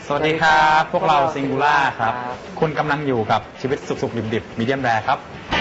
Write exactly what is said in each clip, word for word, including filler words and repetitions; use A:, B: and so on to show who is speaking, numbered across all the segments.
A: สวัสดีครับพวกเราซิงคูล่าครับคุณกำลังอยู่กับชีวิตสุกๆดิบๆมีเดียมแรร์ครับ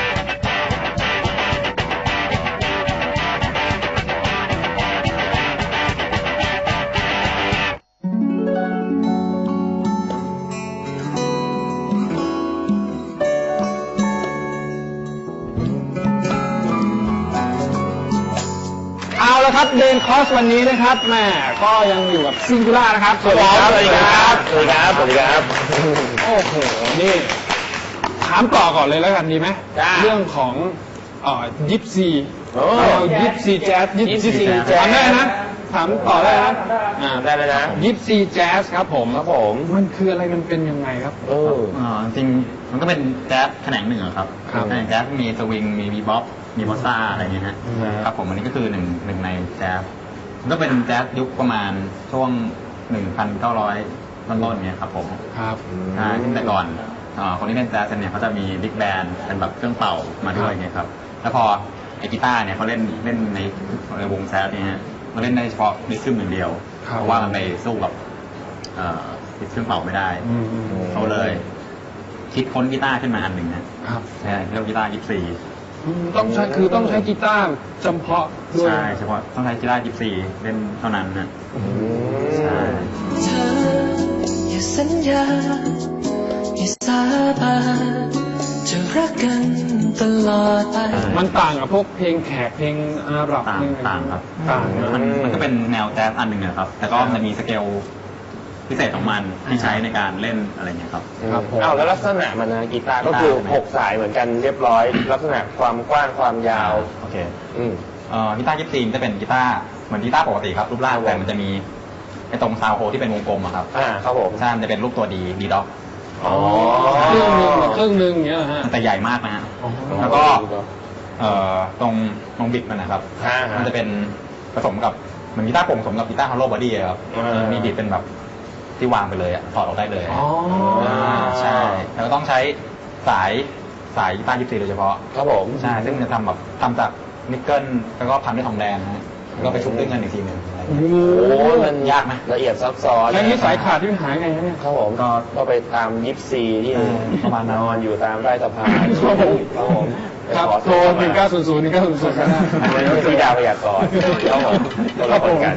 B: เอาละครับเดนคอสวันนี้นะครับแม่ก็ยังอยู่กับซิงคูล่านะครับ
C: สวัสดีครับสวัสดีครับสวัสดีครับสวัสดีครับ
B: โอ้โหนี่ถามต่อก่อนเลยแล้วกันดีไหมเรื่องของเอ่อยิปซียิปซีแจ๊สยิปซีแจ๊สถามได้นะถามต่อได้นะ
C: อ่าได้เลยนะ
B: ยิปซีแจ๊สครับผม
C: ครับผม
B: มันคืออะไรมันเป็นยังไงครับ
A: เออจริงมันก็เป็นแจ๊สแขนงหนึ่งครับแขนงแจ๊สมีสวิงมีบีบ๊อบมีบอสซ่าอะไรอย่างเงี้ยฮะครับผมอันนี้ก็คือหนึ่งหนึ่งในแจ๊สมันก็เป็นแจ๊สยุคประมาณช่วงหนึ่งพันเก้าร้อยต้นๆเนี้ยครับผม
B: ครับ
A: ใช่ซึ่งแต่ก่อนคนที่เล่นแจ๊สเนี่ยเขาจะมีบิ๊กแบนด์เป็นแบบเครื่องเป่ามาด้วยไงครับแล้วพอไอกีตาร์เนี่ยเขาเล่นเล่นในในวงแจ๊สเนี่ยมาเล่นได้เฉพาะดิสซึมอย่างเดียวเพราะว่ามันไปสู้กับดิสเครื่องเป่าไม่ได้เขาเลยคิดค้นกีตาร์ขึ้นมาอันหนึ่งนะครับใช่เรียกกีตาร์ยิปซี
B: ต้องใช้คือต้องใช้กีตาร์เฉพาะด้วย
A: ใช่เฉพาะต้องใช้กีตาร์ยิปซีเล่นเท่านั้นนะใช่
D: เธออย่าสัญญาอย่าสาบานจะรักกันตลอดไป
B: มันต่างกับพวกเพลงแขกเพลงอาหรับ
A: ต่างต่างครับ
B: ต่าง
A: มันมันก็เป็นแนวแจ๊สอันหนึ่งนะครับแต่ก็มันมีสเกลพิเศษของมันที่ใช้ในการเล่นอะไรเงี้ยครับ
C: ครับอ้าวแล้วลักษณะมันนะกีตาร์ก็คือหกสายเหมือนกันเรียบร้อยลักษณะความกว้างความยาว
A: โอเคอืมเอ่อกีตาร์ยิปซีจะเป็นกีตาร์เหมือนกีตาร์ปกติครับรูปร่างแต่มันจะมีไอ้ตรงซาวโฮที่เป็นวงกลมอะครับ
C: อ่าครับผม
A: ใช่มันจะเป็นรูปตัวดีดีด็อก
C: อ๋อ
B: ครึ่งนึงครึ่งนึงเนี้ยฮะ
A: แต่ใหญ่มากนะฮะแล้วก็เอ่อตรงตรงบิดมันนะครับมันจะเป็นผสมกับเหมือนกีตาร์โปร่งผสมกับกีตาร์ฮอลโลว์บอดี้ครับมีบิดเป็นแบบที่วางไปเลยอ่ะถอดออกได้เลย
B: อ๋อ
A: ใช่แล้วก็ต้องใช้สายสายกีตาร์ยิปซีโดยเฉพาะ
C: ครับผม
A: ใช่ซึ่งจะทำแบบทำจากนิกเกิลแล้วก็พันด้วยทองแดงนะแล้วก็ไปชุบด้วยเงินอีกทีหนึ่ง
C: โอ้โหมัน
A: ยากไหม
C: ละเอียดซับซ้อน
B: แล้วนี่สายขาดที่มันหายไงเนี่ย
C: ครับผมก็ก็ไปตามยิปซีที่
A: ประมาณน
C: อนอยู่ตามไร่สะพานครับผม
B: ครับโทรหนึ่งเก้าศูนย์ศูนย์หนึ่งเก้าศูนย์ศูนย์ก็ได้
C: อันนี้ไม่ใช่ดาวพยากรณ์ครับผมเราคนกัน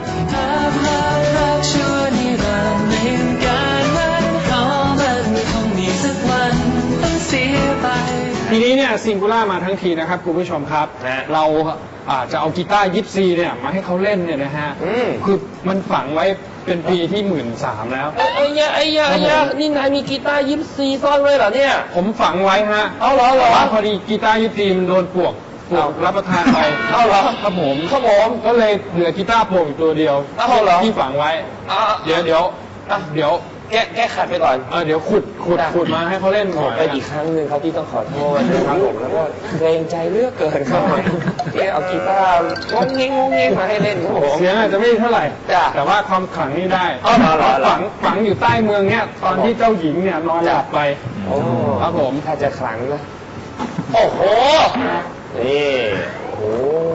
B: ทีนี้เนี่ยซิงคูล่ามาทั้งทีนะครับคุณผู้ชมครับเราอาจจะเอากีตาร์ยิปซีเนี่ยมาให้เขาเล่นเนี่ยนะฮะคือมันฝังไว้เป็นปีที่หมื่นสามแล้ว
C: ไอ้ยาไอ้ยาไอ้ยานี่นายมีกีตาร์ยิปซีซ่อนไว้เหรอเนี่ย
B: ผมฝังไว้ฮะ
C: เอาเหรอเหรอ
B: พอดีกีตาร์ยิปซีมันโดนปลวกปลวกรับประทานไป
C: เอาเหรอ
B: ครับผม
C: ครับผม
B: ก็เลยเหลือกีตาร์โปร่งตัวเดียว
C: เอาเหรอ
B: ที่ฝังไว้เดี๋ยวเดี๋ยวเดี๋ยว
C: แก้แก้ขัดไปก่อน
B: เออเดี๋ยวขุดขุดขุดมาให้เขาเล่น
C: ขอไปอีกครั้งหนึ่งครับที่ต้องขอโทษนะครับผมแล้วก็เกรงใจเลือกเกินครับที่เอากีตาร์งงเงี้ยงงเงี้ยมาให้เล่นครับผม
B: เสียงอาจจะไม่เท่าไหร่แต่ว่าความขลังนี่ได้ฝังฝังอยู่ใต้เมืองเนี้ยตอนที่เจ้าหญิงเนี่ยนอนหลับไปครับผม
C: ถ้าจะขลังนะโอ้โหนี่โอ้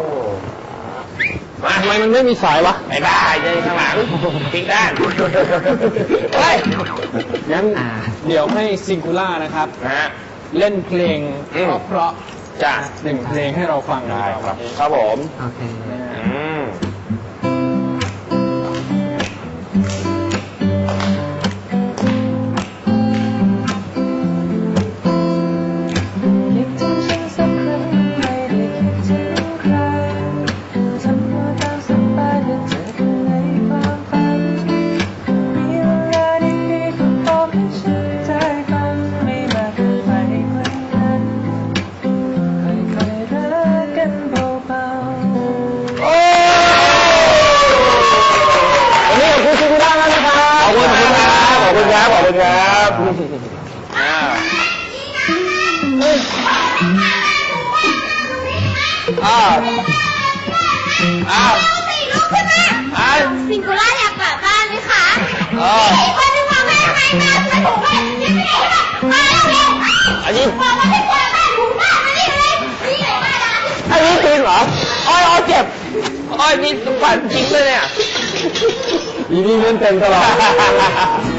B: มาทำไมมันไม่มีสายวะ
C: ไอ้บ้าใจข้างหลังทิ้งด้าน
B: เฮ้ยงั้นเดี๋ยวให้ซิงคูล่านะครับเล่นเพลงเพราะ
C: จะ
B: หนึ่งเพลงให้เราฟังได้
C: ครับครับผม
B: โอเค
C: ขอบคุณครับอ้าวอ้าวอ้าวอ้าว
E: ซิงคูล่าอยากกลับบ้านไหมคะอ๋อคนที่พ่อแม่ให้มาสนุกไปที่ไหนมาแล้วเร็ว
C: อันนี้
E: บอกว่าไม่กลัวบ้านถูกบ้านมานี่เลยนี่ไหนมาแล้ว
C: อันนี้จริงเหรออ้อยอ้อยเจ็บอ้อยนี่ฝันจริงเลยเนี่ย
B: อีนี่เล่นเต็มตลอด